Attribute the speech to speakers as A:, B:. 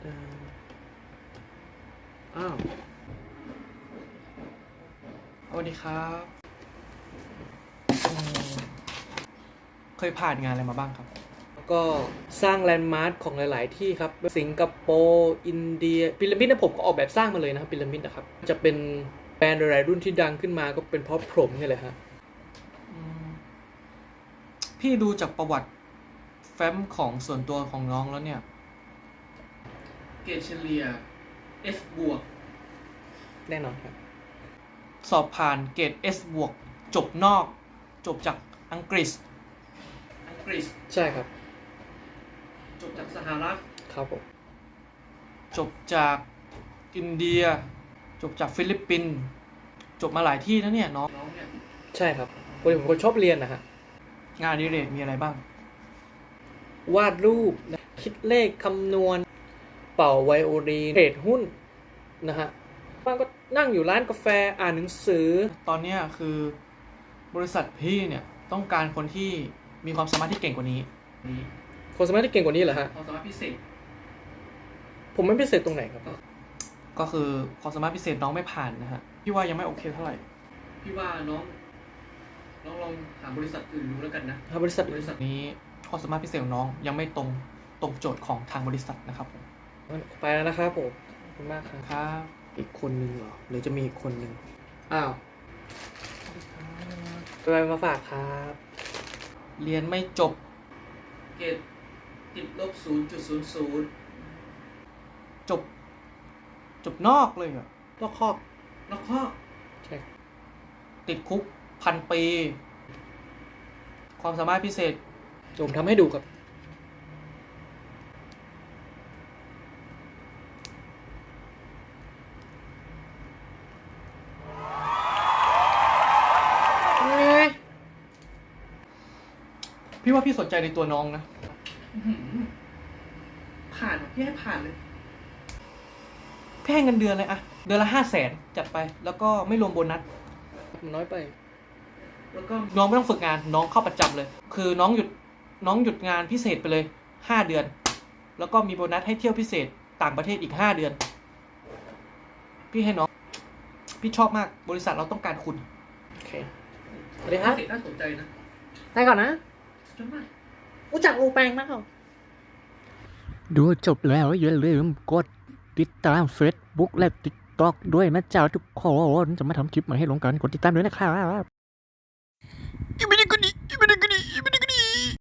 A: อ้าวสวัสดีครับเคยผ่านงานอะไรมาบ้างครับก็สร้างแลนด์มาร์คของหลายๆที่ครับสิงคโปร์อินเดียพีระมิดนะผมก็ออกแบบสร้างมาเลยนะครับพีระมิดนะครับจะเป็นแบรนด์หลายๆรุ่นที่ดังขึ้นมาก็เป็นเพราะผมนี่แหละฮะพี่ดูจากประวัติแฟ้มของส่วนตัวของน้องแล้วเนี่ยเกรดเฉลี่ย S บวกแน่นอนครับสอบผ่านเกรด S บวกจบนอกจบจากอังกฤษใช่ครับจบจากสหรัฐครับผมจบจากอินเดียจบจากฟิลิปปินส์จบมาหลายที่แล้วเนี่ยน้องเนี่ยใช่ครับผมคนชอบเรียนนะฮะงานอดิเรกมีอะไรบ้างวาดรูปคิดเลขคำนวณเป่าไวโอลินเทรดหุ้นนะฮะบ้างก็นั่งอยู่ร้านกาแฟอ่านหนังสือตอนนี้คือบริษัทพี่เนี่ยต้องการคนที่มีความสามารถที่เก่งกว่านี้ความสามารถที่เก่งกว่านี้เหรอฮะความสามารถพิเศษผมไม่พิเศษตรงไหนครับก็คือความสามารถพิเศษน้องไม่ผ่านนะฮะพี่ว่ายังไม่โอเคเท่าไหร่พี่ว่าน้องลองหาบริษัทอื่นดูแล้วกันนะถ้าบริษัทนี้ความสามารถพิเศษของน้องยังไม่ตรงโจทย์ของทางบริษัทนะครับผมไปแล้วนะครับผมขอบคุณมากครับอีกคนนึงเหรอหรือจะมีอีกคนนึงอ้าวอะไรมาฝากครับเรียนไม่จบเกรดติดลบ 0.00 จบนอกเลยเหรอนอกคอกใช่ติดคุก1,000 ปีความสามารถพิเศษผมทำให้ดูครับพี่ว่าพี่สนใจในตัวน้องนะผ่านพี่ให้ผ่านเลยพี่ให้เงินเดือนเลยอะเดือนละ500,000จัดไปแล้วก็ไม่รวมโบนัสมันน้อยไปแล้วก็น้องไม่ต้องฝึกงานน้องเข้าประจำเลยคือน้องหยุดงานพิเศษไปเลย5 เดือนแล้วก็มีโบนัสให้เที่ยวพิเศษต่างประเทศอีก5 เดือนพี่ให้น้องพี่ชอบมากบริษัทเราต้องการคุณโอเคสวัสดีครับน่าสนใจนะไปก่อนนะรู้จักอูแปงมากเหรอ
B: ดูจบแล้วอย่าลืมกดติดตาม Facebook และ TikTok ด้วยนะเจ้าทุกคนจะมาทำคลิปมาให้ลงกันกดติดตามด้วยนะครับ